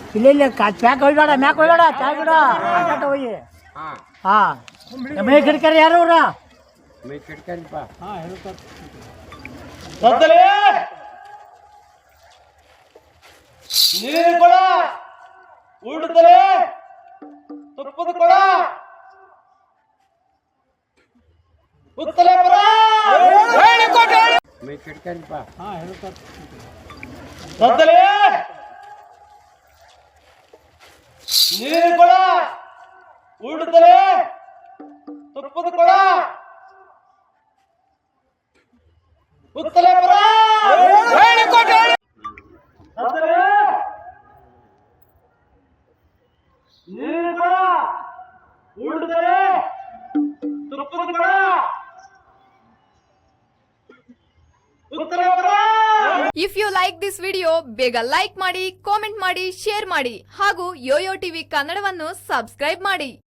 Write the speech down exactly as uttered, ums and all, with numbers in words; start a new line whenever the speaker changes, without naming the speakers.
ಇಲ್ಲ ಇಲ್ಲ ಚಾಕ್ ಹೋಗ್ಬೇಡ ಮ್ಯಾಕ್ ಹೋಗ್ಬೇಡ ಚಾಕ್ ಬಿಡ ಆಟಾಟ ಹೋಗಿ ಹಾಂ ಮೇ ಕಿಡ್ಕರಿ ಯಾರು ಅವ್ರ
ಮೇ ಕಿಡ್ಕರಿಪ್ಪ
ಹಾಂ ಹೇಳ್ತಾರೆ
ನೀರಿನ ಕೊಡ ಊಟದಲೆ ತುಪ್ಪದ ಕೊಡ ಉತ್ತಲೆ ಬರ
ಮೇ ಕಿಡ್ಕರಿಪ್ಪ
ಹಾಂ ಹೇಳ್ತಾರೆ
ಸದ್ದಲೆ ನೀರಿನ ಕೊಡ ಊಟದಲೆ ತುಪ್ಪದ ಕೊಡ ಉತ್ತಲೆ ಬರ ಸದ್ದಲೆ ನೀರಿನ ಕೊಡ ಊಟದಲೆ ತುಪ್ಪದ ಕೊಡ ಉತ್ತಲೆ ಬರ.
If you like this video ಬೇಗ ಲೈಕ್ ಮಾಡಿ, ಕಾಮೆಂಟ್ ಮಾಡಿ, ಶೇರ್ ಮಾಡಿ ಹಾಗೂ ಯೋಯೋ ಟಿವಿ ಕನ್ನಡವನ್ನು ಸಬ್ಸ್ಕ್ರೈಬ್ ಮಾಡಿ.